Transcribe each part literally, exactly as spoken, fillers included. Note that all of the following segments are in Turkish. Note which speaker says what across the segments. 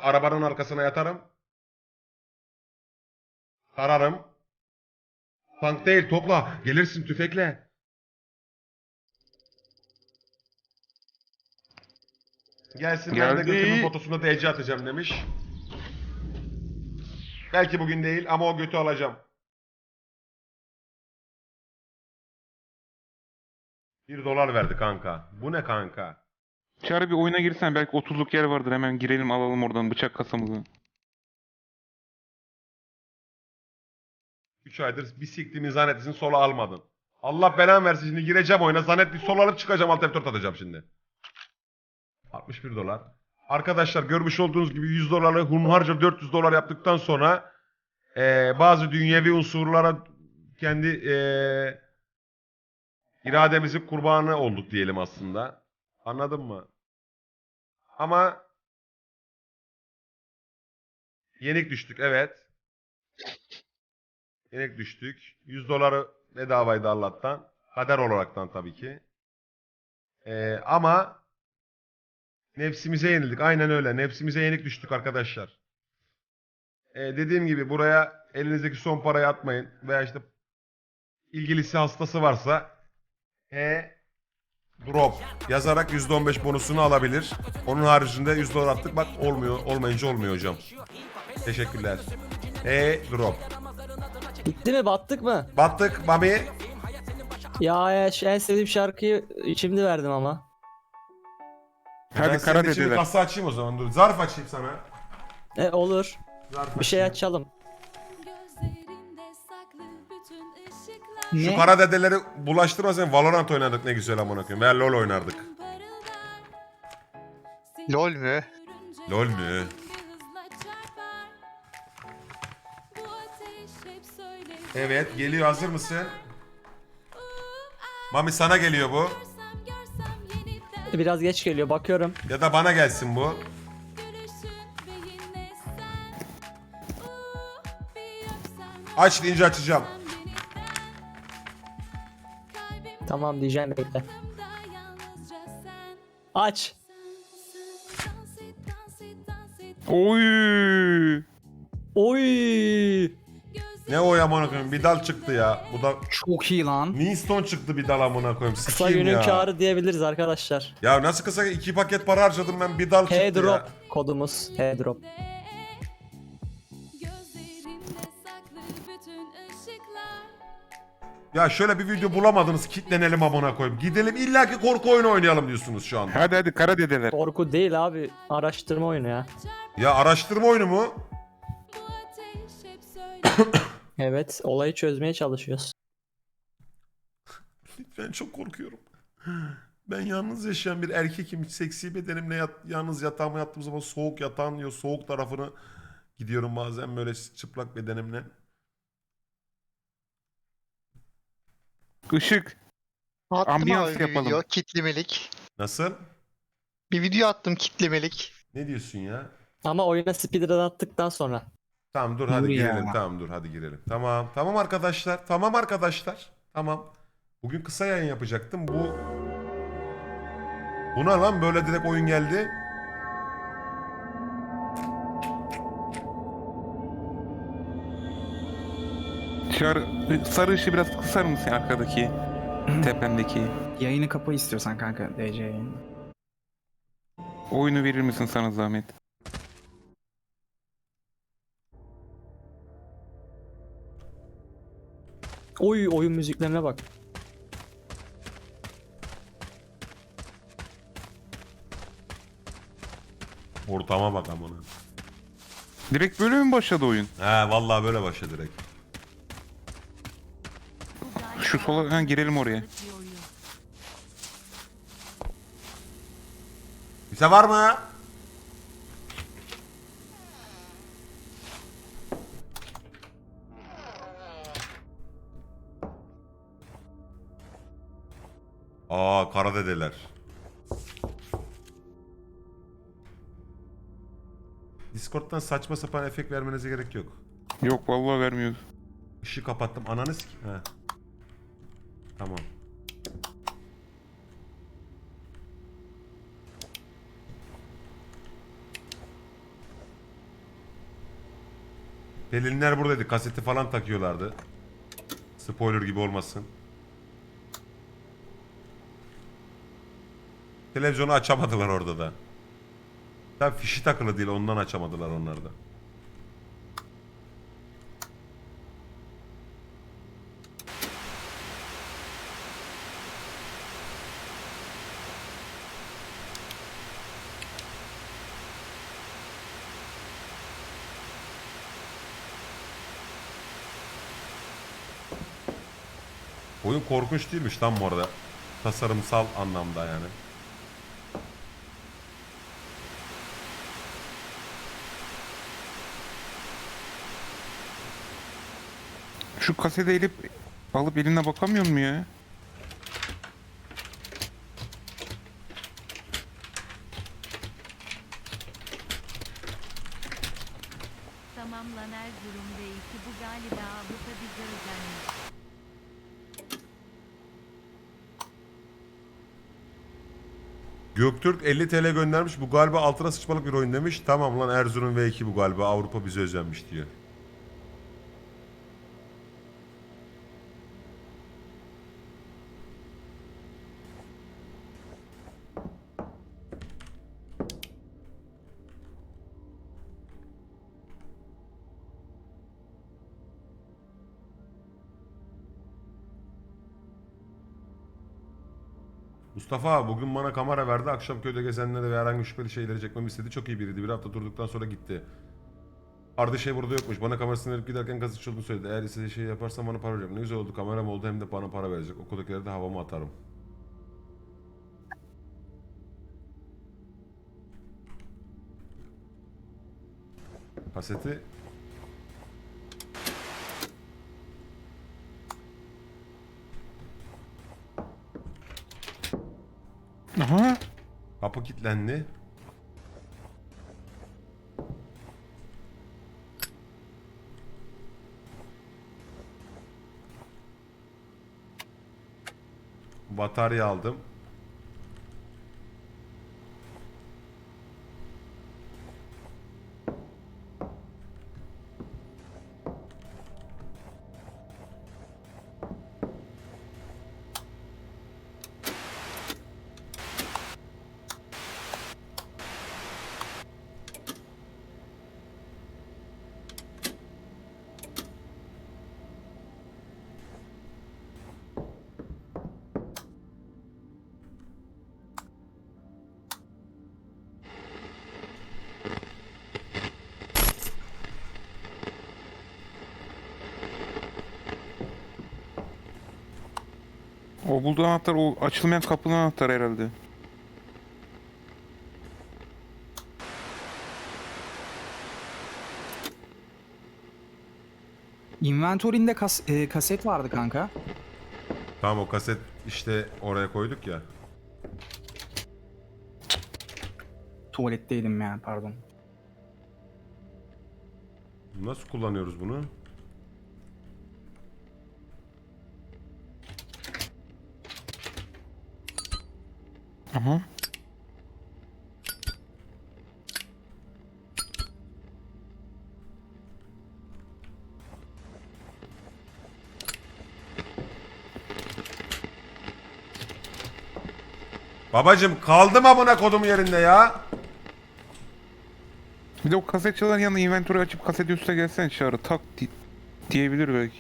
Speaker 1: arabanın arkasına yatarım. Tararım. Tank değil, topla. Gelirsin tüfekle. Gelsinler de götümün
Speaker 2: Geldi.
Speaker 1: fotosuna D C atacağım demiş. Belki bugün değil ama o götü alacağım. Bir dolar verdi kanka. Bu ne kanka?
Speaker 2: Çağrı bir oyuna girsen belki otuzluk yer vardır. Hemen girelim alalım oradan bıçak kasamızı.
Speaker 1: üç aydır bir siktiğimin zannetlisini sola almadın. Allah belanı versin, şimdi gireceğim oyuna zannetli sol alıp çıkacağım, alt F dört atacağım şimdi. altmış bir dolar. Arkadaşlar görmüş olduğunuz gibi yüz doları hunharca dört yüz dolar yaptıktan sonra eee, bazı dünyevi unsurlara kendi eee irademizin kurbanı olduk diyelim aslında. Anladın mı? Ama yenik düştük, evet. Yenik düştük. yüz doları bedavaydı Allah'tan. Kader olaraktan tabii ki. Ee, ama nefsimize yenildik. Aynen öyle. Nefsimize yenik düştük arkadaşlar. Ee, dediğim gibi buraya elinizdeki son parayı atmayın. Veya işte ilgilisi hastası varsa e drop yazarak yüzde on beş bonusunu alabilir. Onun haricinde yüz dolar attık. Bak olmuyor. Olmayınca olmuyor hocam. Teşekkürler. E drop.
Speaker 3: Bitti mi? Battık mı?
Speaker 1: Battık Mami.
Speaker 3: Ya ya, şu en sevdiğim şarkıyı şimdi verdim ama.
Speaker 2: Hadi
Speaker 1: Ben
Speaker 2: kara
Speaker 1: senin için bir
Speaker 2: dediler.
Speaker 1: kasa açayım o zaman. Dur. Zarf açayım sana.
Speaker 3: E olur.
Speaker 1: Zarf
Speaker 3: Bir şey
Speaker 1: açayım.
Speaker 3: açalım.
Speaker 1: Şu
Speaker 3: Ne?
Speaker 1: kara dedeleri bulaştırma sen. Valorant oynadık ne güzel amına koyayım. Veya LoL oynardık.
Speaker 4: LOL mü?
Speaker 1: LoL mü? Evet geliyor, hazır mısın? Mami sana geliyor bu.
Speaker 3: Biraz geç geliyor bakıyorum.
Speaker 1: Ya da bana gelsin bu. Aç deyince açacağım.
Speaker 3: Tamam diyeceğim bekle. Aç.
Speaker 2: Oy!
Speaker 3: Oy.
Speaker 1: Ne o ya amına koyayım? Bir dal çıktı ya. Bu da
Speaker 5: Çok iyi lan.
Speaker 1: Winston çıktı bir dal amına koyayım.
Speaker 3: Kısa
Speaker 1: Sikeyim
Speaker 3: günün
Speaker 1: ya.
Speaker 3: kârı diyebiliriz arkadaşlar.
Speaker 1: Ya nasıl kısa, iki paket para harcadım ben, bir dal çıktı
Speaker 3: H-drop
Speaker 1: ya.
Speaker 3: kodumuz. H-drop.
Speaker 1: Ya şöyle bir video bulamadınız, kitlenelim amına koyayım. Gidelim illaki korku oyunu oynayalım diyorsunuz şu anda.
Speaker 2: Hadi hadi kara dediler.
Speaker 3: Korku değil abi. Araştırma oyunu ya.
Speaker 1: Ya araştırma oyunu mu?
Speaker 3: Evet. Olayı çözmeye çalışıyoruz.
Speaker 1: Ben çok korkuyorum. Ben yalnız yaşayan bir erkekim. Seksi bedenimle yat, yalnız yatağıma yattığım zaman soğuk yatağın ya soğuk tarafını gidiyorum bazen böyle çıplak bedenimle.
Speaker 2: Işık.
Speaker 4: Attım
Speaker 2: Ambiyans
Speaker 4: abi bir
Speaker 2: yapalım.
Speaker 4: video kitlemelik.
Speaker 1: Nasıl?
Speaker 4: Bir video attım kitlemelik.
Speaker 1: Ne diyorsun ya?
Speaker 3: Ama oyuna speedrun attıktan sonra.
Speaker 1: Tamam dur hadi
Speaker 5: Dur ya.
Speaker 1: girelim. Tamam dur hadi girelim. Tamam. Tamam arkadaşlar. Tamam arkadaşlar. Tamam. Bugün kısa yayın yapacaktım. Bu Buna lan böyle direkt oyun geldi.
Speaker 2: Çağrı sarı ışığı biraz kısar mısın arkadaki? Tepemdeki.
Speaker 5: Yayını kapa istiyorsan kanka D C yayını.
Speaker 2: Oyunu verir misin sana zahmet?
Speaker 3: Oy oyun müziklerine bak.
Speaker 1: Ortama bak amına.
Speaker 2: Direkt böyle mi başladı oyun?
Speaker 1: He vallahi böyle başladı direkt.
Speaker 2: Şu sola ha, girelim oraya.
Speaker 1: Bize var mı? Aa kara dedeler. Discord'dan saçma sapan efekt vermenize gerek yok.
Speaker 2: Yok vallahi vermiyoruz.
Speaker 1: Işığı kapattım. Ananı sik... He. Tamam. Pelinler buradaydı. Kaseti falan takıyorlardı. Spoiler gibi olmasın. Televizyonu açamadılar orada da. Tabii fişi takılı değil, ondan açamadılar onlar da. Oyun korkunç değilmiş lan bu arada. Tasarımsal anlamda yani.
Speaker 2: Şu kaseti elip alıp eline bakamıyor mu ya?
Speaker 6: Tamamlan Erzurum ve iki bu galiba Avrupa bize özenmiş.
Speaker 1: Göktürk elli T L göndermiş. Bu galiba altına sıçmalık bir oyun demiş. Tamam lan, Erzurum V iki bu galiba. Avrupa bize özenmiş diyor. Mustafa abi bugün bana kamera verdi. Akşam köyde gezenlere ve herhangi bir şüpheli şeyleri çekmemi istedi. Çok iyi biriydi. Bir hafta durduktan sonra gitti. Arda şey burada yokmuş. Bana kamerasını verip giderken kasıtçı olduğunu söyledi. Eğer istediği şeyi yaparsam bana para verecek. Ne güzel oldu. Kameram oldu, hem de bana para verecek. Okuldakileri de havama atarım. Kaseti
Speaker 2: Aha.
Speaker 1: kapı kilitlendi. Batarya aldım.
Speaker 2: O bulduğu anahtar o açılmayan kapının anahtarı herhalde.
Speaker 5: Inventory'inde kas e, kaset vardı kanka.
Speaker 1: Tamam, o kaset işte oraya koyduk ya.
Speaker 5: Tuvaletteydim yani, pardon.
Speaker 1: Nasıl kullanıyoruz bunu?
Speaker 2: Aha.
Speaker 1: Babacım kaldım amına kodum yerinde ya.
Speaker 2: Bir de o kaset çalan yanına inventörü açıp kaseti üstüne gelsen çağrı tak di- diyebilir belki.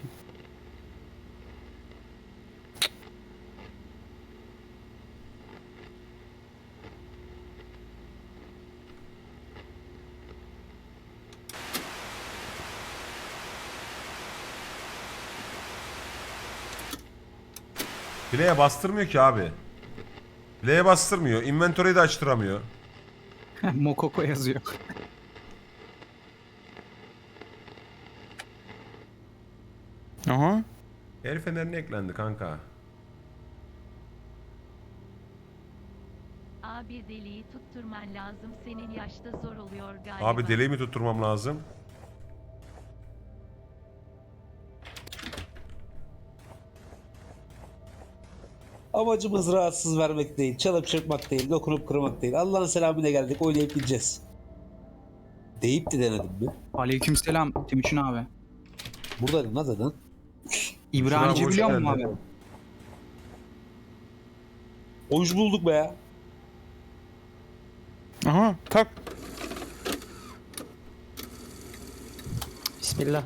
Speaker 1: Play'e bastırmıyor ki abi. Play'e bastırmıyor. Inventory'yi de açtıramıyor.
Speaker 5: Mokoko yazıyor.
Speaker 2: Aha.
Speaker 1: El fenerine eklendi kanka.
Speaker 6: Abi deliği tutturman lazım, senin yaşta zor oluyor galiba.
Speaker 1: Abi deliği mi tutturmam lazım?
Speaker 7: Amacımız rahatsız vermek değil, çalıp çırpmak değil, dokunup kırmak değil. Allah'ın selamıyla geldik, oynayıp gideceğiz. Deyip de denedim mi?
Speaker 5: Aleykümselam Timuçin abi.
Speaker 7: Buradaydım lan zaten.
Speaker 5: İbranice
Speaker 1: hoş
Speaker 5: biliyor musun
Speaker 1: geldin.
Speaker 5: abi?
Speaker 7: Hoş bulduk be ya.
Speaker 2: Aha tak.
Speaker 3: Bismillah.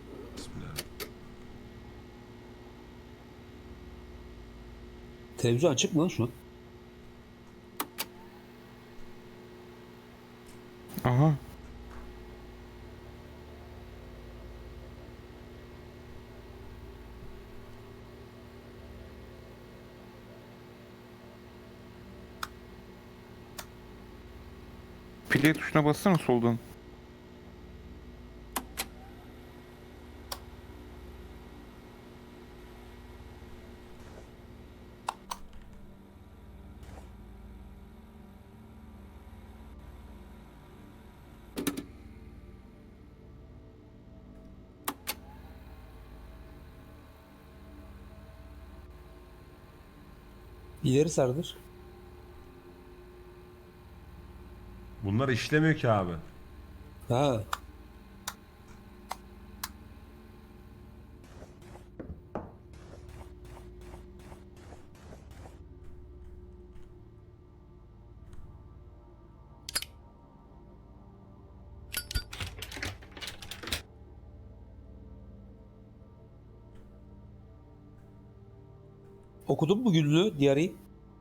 Speaker 7: Televizyon açık mı lan şu an?
Speaker 2: Aha. Play tuşuna bassana soldan.
Speaker 7: İleri sardır.
Speaker 1: Bunlar işlemiyor ki abi.
Speaker 7: Ha. Okudun mu günlüğü, diğeri?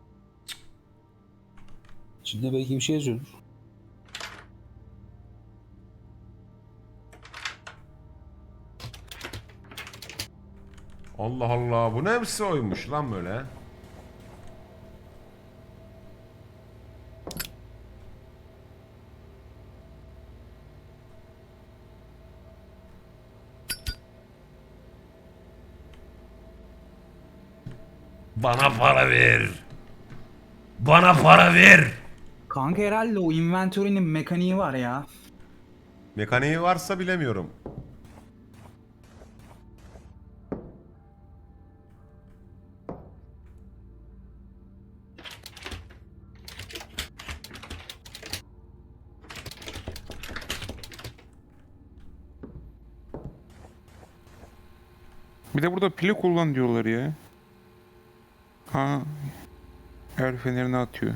Speaker 7: İçinde belki bir şey yazıyordur.
Speaker 1: Allah Allah, bu ne hepsi oymuş lan böyle. Bana para ver. Bana para ver.
Speaker 5: Kanka herhalde o inventory'nin mekaniği var ya.
Speaker 1: Mekaniği varsa bilemiyorum.
Speaker 2: Bir de burada pili kullan diyorlar ya. Ha. El fenerini atıyor.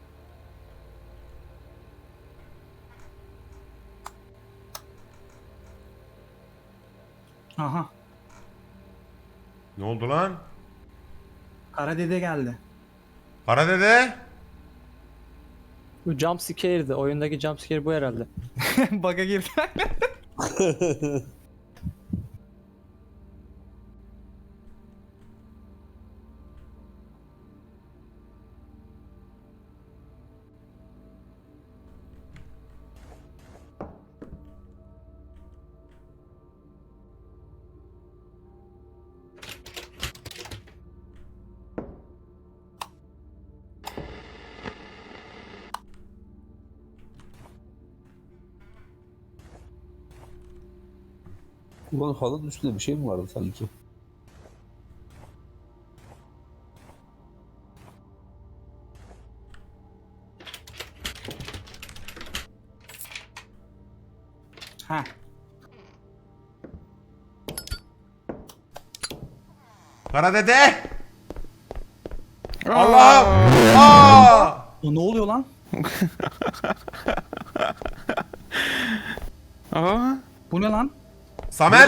Speaker 5: Aha.
Speaker 1: Ne oldu lan?
Speaker 5: Kara dede geldi.
Speaker 1: Kara dede.
Speaker 3: Bu jump scare'di. Oyundaki jump scare bu herhalde.
Speaker 5: Bug'a girdi.
Speaker 7: Ulan halının üstünde bir şey mi vardı sanki?
Speaker 5: Ha.
Speaker 1: Kara dede. Allah'ım. Aa!
Speaker 5: O ne oluyor lan?
Speaker 2: Aa.
Speaker 5: Bu ne lan?
Speaker 1: Samer.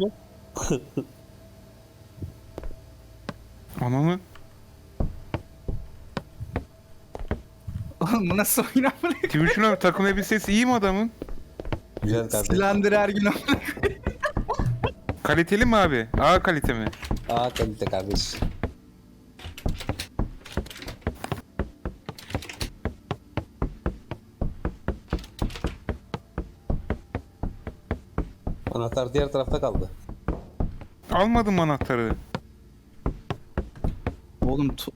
Speaker 2: Ananı.
Speaker 5: Oğlum bu nasıl oyun amına?
Speaker 2: Timuçin abi takım elbisesi iyi mi adamın?
Speaker 7: Güzel kardeşim.
Speaker 5: Silendir her gün amına.
Speaker 2: Kaliteli mi abi? A kalite mi?
Speaker 7: Aa kalite kardeş. Anahtar diğer tarafta kaldı.
Speaker 2: Almadım anahtarı.
Speaker 5: Oğlum tu-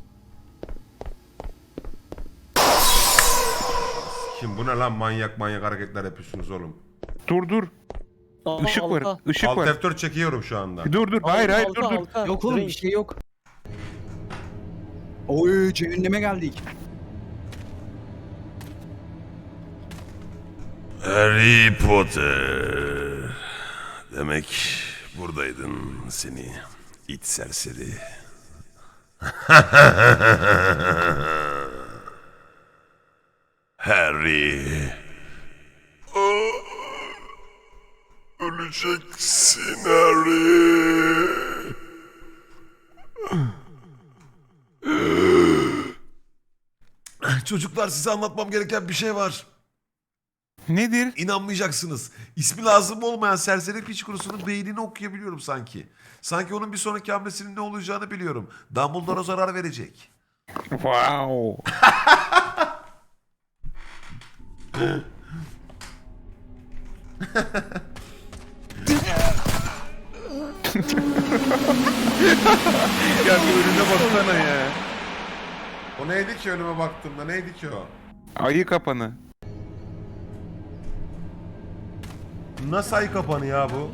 Speaker 1: Şimdi bu ne lan, manyak manyak hareketler yapıyorsunuz oğlum.
Speaker 2: Dur dur.
Speaker 3: Aa,
Speaker 2: Işık var.
Speaker 3: halka.
Speaker 2: Işık
Speaker 1: Alt
Speaker 2: var.
Speaker 1: F dört çekiyorum şu anda.
Speaker 2: Dur dur. Hayır hayır
Speaker 3: Halka,
Speaker 2: dur dur.
Speaker 3: halka.
Speaker 5: yok oğlum bir
Speaker 3: Drink.
Speaker 5: şey yok. Oy cehenneme geldik.
Speaker 1: Harry Potter. Demek buradaydın seni it serseri. Harry. Öleceksin Harry. Çocuklar, size anlatmam gereken bir şey var.
Speaker 2: Nedir?
Speaker 1: İnanmayacaksınız. İsmi lazım olmayan serseri piç kurusunun beynini okuyabiliyorum sanki. Sanki onun bir sonraki hamlesinin ne olacağını biliyorum. Dumbledore'a zarar verecek.
Speaker 2: Wow. Ya bir önüne baksana ya.
Speaker 1: O neydi ki önüme baktığımda? Neydi ki o?
Speaker 2: Ayı kapanı.
Speaker 1: Nasıl ay kapanı ya bu?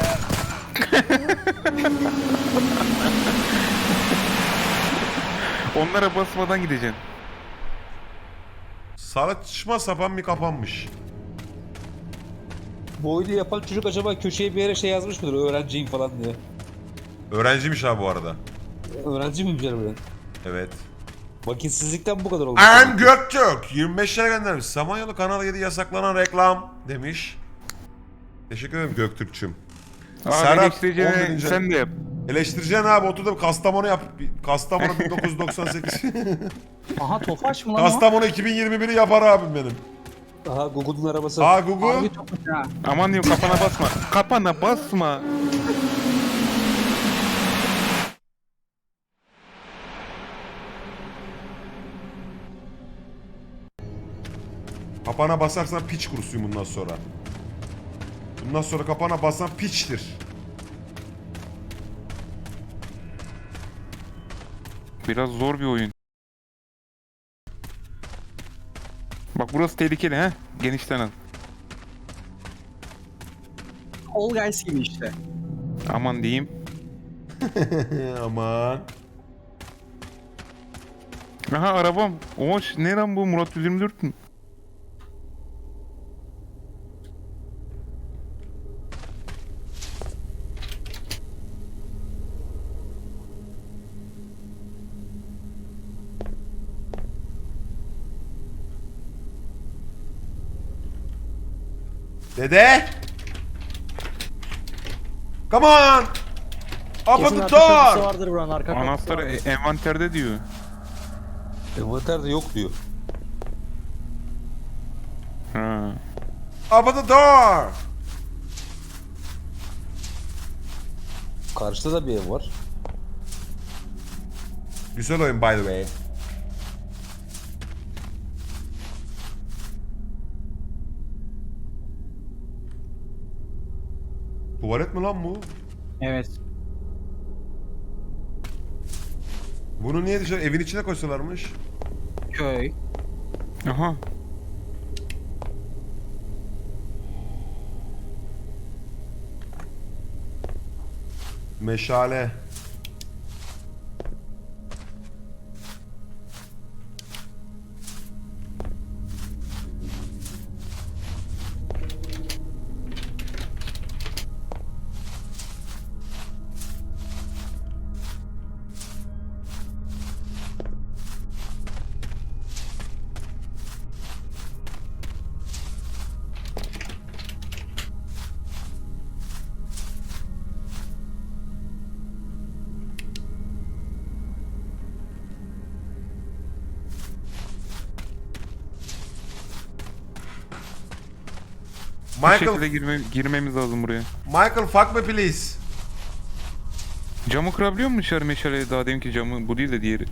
Speaker 2: Onlara basmadan gideceksin.
Speaker 1: Saçma sapan bir kapanmış.
Speaker 7: Bu oyunu yapan çocuk acaba köşeye bir yere şey yazmış mıdır? Öğrenciyim falan diye.
Speaker 1: Öğrenciymiş ha bu arada.
Speaker 7: Öğrenci miyim canım ben?
Speaker 1: Evet.
Speaker 7: Vakitsizlikten bu kadar olmuş.
Speaker 1: Erm Göktürk yirmi beş lira göndermiş. Samanyolu Kanal yedi yasaklanan reklam demiş. Teşekkür ederim Göktürk'çüm.
Speaker 2: Abi
Speaker 1: Serhat,
Speaker 2: eleştireceğine
Speaker 1: on birinci
Speaker 2: sen de yap.
Speaker 1: Eleştireceksin abi, otur da Kastamonu yap. Kastamonu bin dokuz yüz doksan sekiz.
Speaker 5: Aha Tofaş mı lan o?
Speaker 1: Kastamonu iki bin yirmi biri yapar abim benim.
Speaker 7: Aha Google'un arabası.
Speaker 1: Aa Google.
Speaker 5: Harbi Tofaş ha.
Speaker 2: Aman diyeyim kafana basma. Kafana basma.
Speaker 1: Kapana basarsan piç kurusuyum bundan sonra. Bundan sonra kapana basan piçtir.
Speaker 2: Biraz zor bir oyun. Bak burası tehlikeli ha. Genişten al.
Speaker 5: All Guys gibi işte.
Speaker 2: Aman diyeyim.
Speaker 1: Aman.
Speaker 2: Aha arabam. Oha ne lan bu Murat yüz yirmi dört mü?
Speaker 1: Dede. Come on. Open
Speaker 3: Kesin
Speaker 1: the
Speaker 3: arka kapısı
Speaker 1: door.
Speaker 3: vardır buranın arka kapısı
Speaker 2: Anahtar
Speaker 3: vardır.
Speaker 2: e- envanterde diyor.
Speaker 7: Envanterde yok diyor.
Speaker 2: Ha.
Speaker 1: Open the door.
Speaker 7: Karşıda da bir ev var.
Speaker 1: Güzel oyun by the way. Tuvalet mi lan bu?
Speaker 5: Evet.
Speaker 1: Bunu niye dışarı evin içine koysalarmış?
Speaker 5: Köy.
Speaker 2: Aha.
Speaker 1: Meşale.
Speaker 2: Bir
Speaker 1: Michael,
Speaker 2: şekilde girme, girmemiz lazım buraya.
Speaker 1: Michael fuck me please.
Speaker 2: Camı kırabiliyor musun dışarı meşale? Daha deminki camı bu değil de diğeri.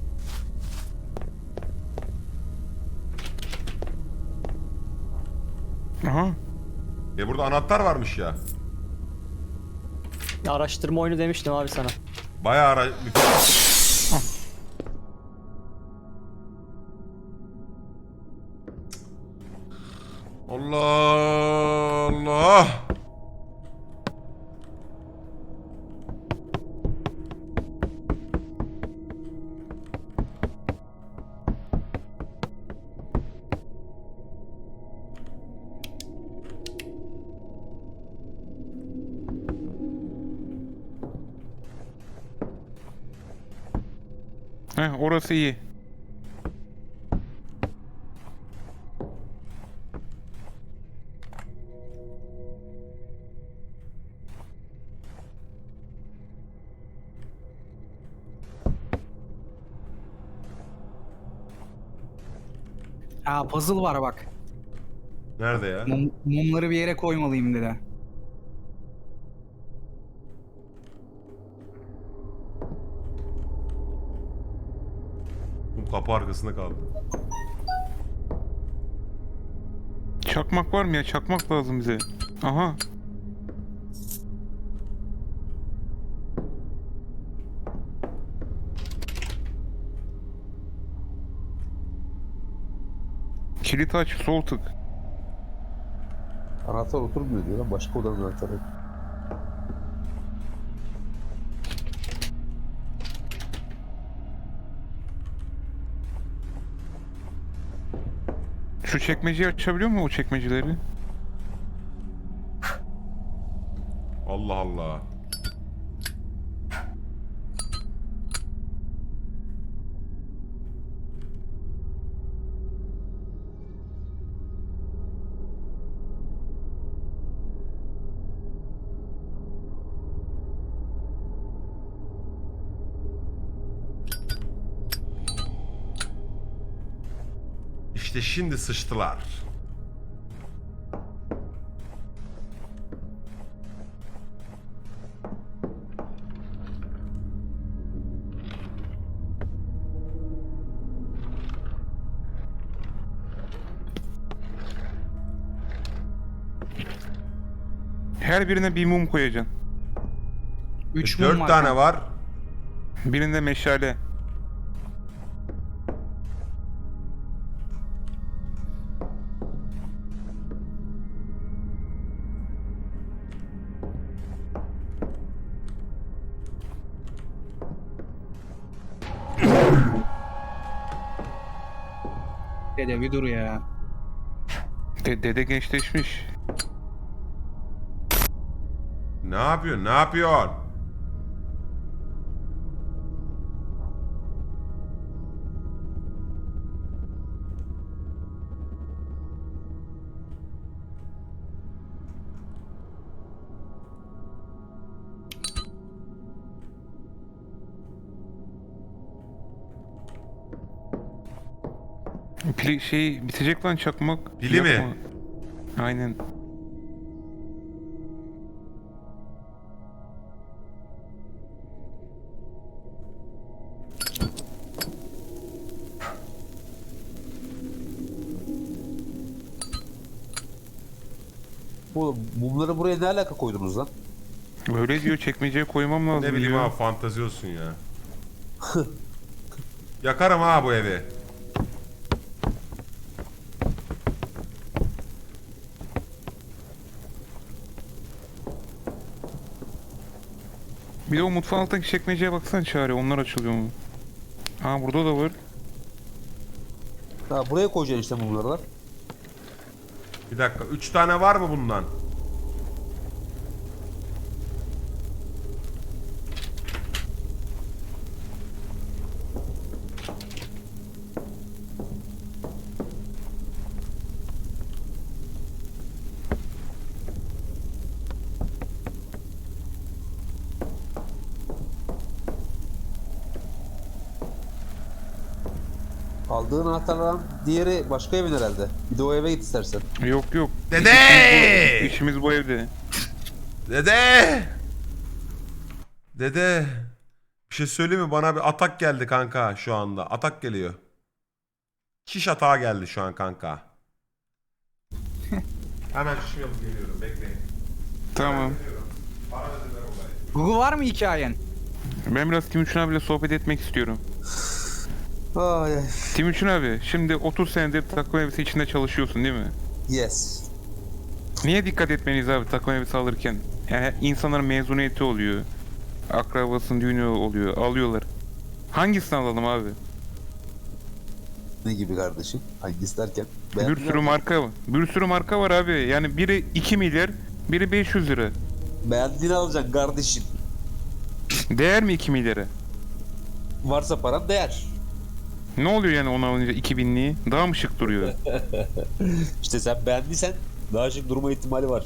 Speaker 2: Aha.
Speaker 1: E burada anahtar varmış ya.
Speaker 3: Araştırma oyunu demiştim abi sana.
Speaker 1: Bayağı ara... Allah Allah.
Speaker 2: Heh, orası iyi.
Speaker 5: Aa puzzle var bak.
Speaker 1: Nerede ya?
Speaker 5: Mum- mumları bir yere koymalıyım dedi.
Speaker 1: Bu kapı arkasında kaldı.
Speaker 2: Çakmak var mı ya? Çakmak lazım bize. Aha. Kilit aç, sol tık.
Speaker 8: Anahtar oturmuyor diyor lan. Başka odanın anahtarı.
Speaker 2: Şu çekmeceyi açabiliyor mu o çekmeceleri?
Speaker 1: Allah Allah. İşte şimdi sıçtılar.
Speaker 2: Her birine bir mum koyacaksın.
Speaker 5: Üç mum
Speaker 1: Dört
Speaker 5: var
Speaker 1: tane
Speaker 5: kanka.
Speaker 1: var.
Speaker 2: Birinde meşale.
Speaker 5: Dede bir dur ya.
Speaker 2: De dede gençleşmiş.
Speaker 1: Ne yapıyorsun? Ne yapıyorsun?
Speaker 2: Pili şey bitecek lan çakmak.
Speaker 1: Pili mi?
Speaker 2: Yapma. Aynen.
Speaker 8: Bu mumları buraya ne alaka koydunuz lan?
Speaker 2: Öyle diyor, çekmeceye koymam lazım
Speaker 1: Ne bileyim
Speaker 2: diyor.
Speaker 1: abi, fantazi olsun ya. Yakarım ha bu evi.
Speaker 2: Bir de o mutfağın altındaki çekmeceye baksana Çağrı, onlar açılıyor mu? Ha burada da var.
Speaker 8: Ha buraya koyacaksın işte mumları lan.
Speaker 1: Bir dakika. Üç tane var mı bundan?
Speaker 8: Aldığın anahtarlardan diğeri başka evin herhalde. Bir de o eve git istersen.
Speaker 2: Yok yok.
Speaker 1: Dede!
Speaker 2: İşimiz bu, işimiz bu evde.
Speaker 1: Dede! Dede! Bir şey söyleyeyim mi? Bana bir atak geldi kanka şu anda. Atak geliyor. Şiş atağı geldi şu an kanka. Hemen şişimi alıp geliyorum. Bekleyin.
Speaker 2: Tamam.
Speaker 1: Para ödediler olayı.
Speaker 5: Google var mı hikayen?
Speaker 2: Ben biraz Timuçin abiyle sohbet etmek istiyorum.
Speaker 8: Ay ay.
Speaker 2: Timuçin abi, şimdi otuz senedir takım elbise içinde çalışıyorsun değil mi?
Speaker 8: Yes.
Speaker 2: Niye dikkat etmeliyiz abi takım elbise alırken? Yani insanların mezuniyeti oluyor. Akrabasının düğünü oluyor. Alıyorlar. Hangisini alalım abi?
Speaker 8: Ne gibi kardeşim? Hangisi derken?
Speaker 2: Bir
Speaker 8: Beğendin
Speaker 2: sürü
Speaker 8: mi?
Speaker 2: marka var. Bir sürü marka var abi. Yani biri iki milyar, biri beş yüz lira.
Speaker 8: Beğendiğini alacaksın kardeşim.
Speaker 2: Değer mi iki milyara?
Speaker 8: Varsa paran değer.
Speaker 2: Ne oluyor yani onu alınca iki binliği? Daha mı şık duruyor?
Speaker 7: İşte sen beğendiysen daha şık durma ihtimali var.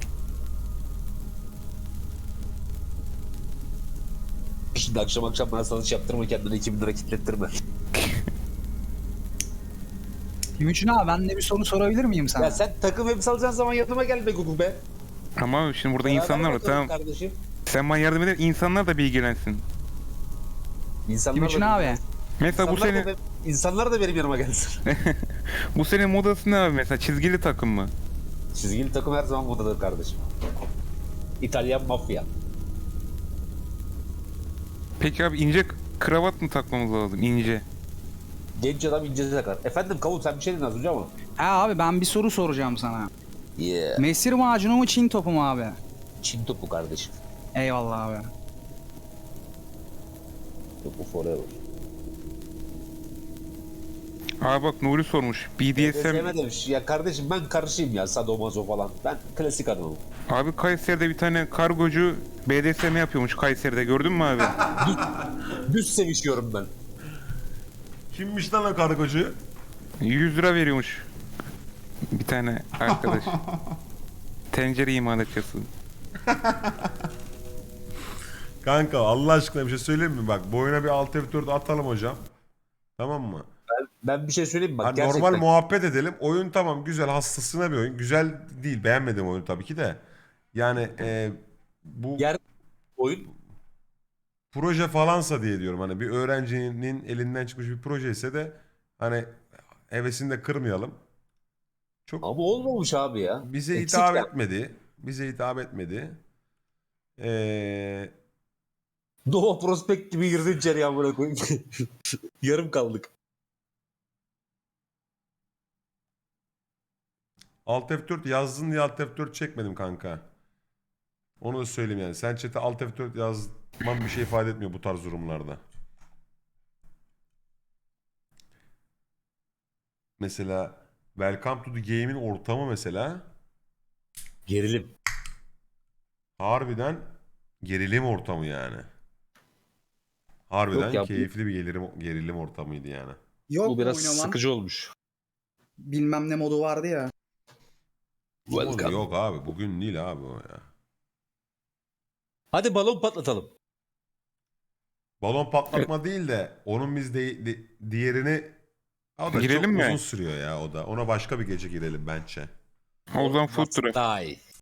Speaker 7: Şimdi akşam akşam bana satış yaptırma, kendine iki bin lira kitlettirme.
Speaker 5: Gümüşün abi ben de bir soru sorabilir miyim sana?
Speaker 7: Ya sen takım elbise alacağın zaman yanıma gel be Gugu be.
Speaker 2: Ama şimdi burada
Speaker 7: Beraber
Speaker 2: insanlar var,
Speaker 7: bakalım
Speaker 2: tamam.
Speaker 7: kardeşim.
Speaker 2: Sen bana yardım eder, insanlar da bilgilensin.
Speaker 7: İnsanlar
Speaker 5: Gümüşün
Speaker 7: da,
Speaker 5: abi.
Speaker 2: Mesela bu
Speaker 7: insanlar,
Speaker 2: senin
Speaker 7: da, be- insanlar da benim yanıma gelsin.
Speaker 2: bu senin modası ne abi mesela? Çizgili takım mı?
Speaker 7: Çizgili takım her zaman modadır kardeşim. İtalyan mafya.
Speaker 2: Peki abi ince kravat mı takmamız lazım? İnce.
Speaker 7: Genç adam ince takar. Efendim Kavun sen bir şey dedin az önce ama.
Speaker 5: Ha abi ben bir soru soracağım sana.
Speaker 7: Yeah.
Speaker 5: Mesir macunu mu Çin topu mu abi?
Speaker 7: Çin topu kardeşim.
Speaker 5: Eyvallah abi.
Speaker 7: Topu forever.
Speaker 2: Abi bak Nuri sormuş. B D S M.
Speaker 7: Sevme demiş. Ya kardeşim ben karışayım ya sadomazo falan. Ben klasik adamım.
Speaker 2: Abi Kayseri'de bir tane kargocu B D S M yapıyormuş Kayseri'de, gördün mü abi?
Speaker 7: Düz sevişiyorum ben.
Speaker 1: Kimmiş lan o kargocu?
Speaker 2: yüz lira veriyormuş. Bir tane arkadaş. Tencere imalatçısı.
Speaker 1: Kanka Allah aşkına bir şey söyleyeyim mi? Bak bu oyuna bir alt F dört atalım hocam. Tamam mı?
Speaker 7: Ben bir şey söyleyeyim mi? Bak
Speaker 1: Hani
Speaker 7: gerçekten.
Speaker 1: normal muhabbet edelim. Oyun tamam güzel, hastasına bir oyun. Güzel değil, beğenmedim oyunu tabii ki de. Yani e, bu
Speaker 7: Yer oyun.
Speaker 1: proje falansa diye diyorum. Hani bir öğrencinin elinden çıkmış bir proje ise de hani hevesini de kırmayalım. Çok
Speaker 7: Ama olmamış abi ya.
Speaker 1: bize
Speaker 7: Eksik
Speaker 1: hitap
Speaker 7: ya.
Speaker 1: etmedi. Bize hitap etmedi. Ee,
Speaker 7: Doğu Prospekt gibi girdin içeri amına koyayım. Yarım kaldık.
Speaker 1: alt F dört yazdın diye alt F dört çekmedim kanka. Onu da söyleyeyim yani. Sen chat'e alt F dört yazman bir şey ifade etmiyor bu tarz durumlarda. Mesela Welcome to the Game'in ortamı mesela
Speaker 7: Gerilim.
Speaker 1: harbiden gerilim ortamı yani. Harbiden
Speaker 7: Yok ya, bu-
Speaker 1: keyifli bir gerilim, gerilim ortamıydı yani.
Speaker 5: Yok
Speaker 7: Bu biraz
Speaker 5: oynaman.
Speaker 7: sıkıcı olmuş.
Speaker 5: Bilmem ne modu vardı ya.
Speaker 7: Welcome.
Speaker 1: Yok abi bugün değil abi o ya.
Speaker 7: Hadi balon patlatalım.
Speaker 1: Balon patlatma değil de onun biz de, de- diğerini o da
Speaker 2: Girelim
Speaker 1: çok
Speaker 2: mi?
Speaker 1: uzun sürüyor ya o da. Ona başka bir gece girelim bence.
Speaker 2: O zaman food truck.
Speaker 7: Daha iyi.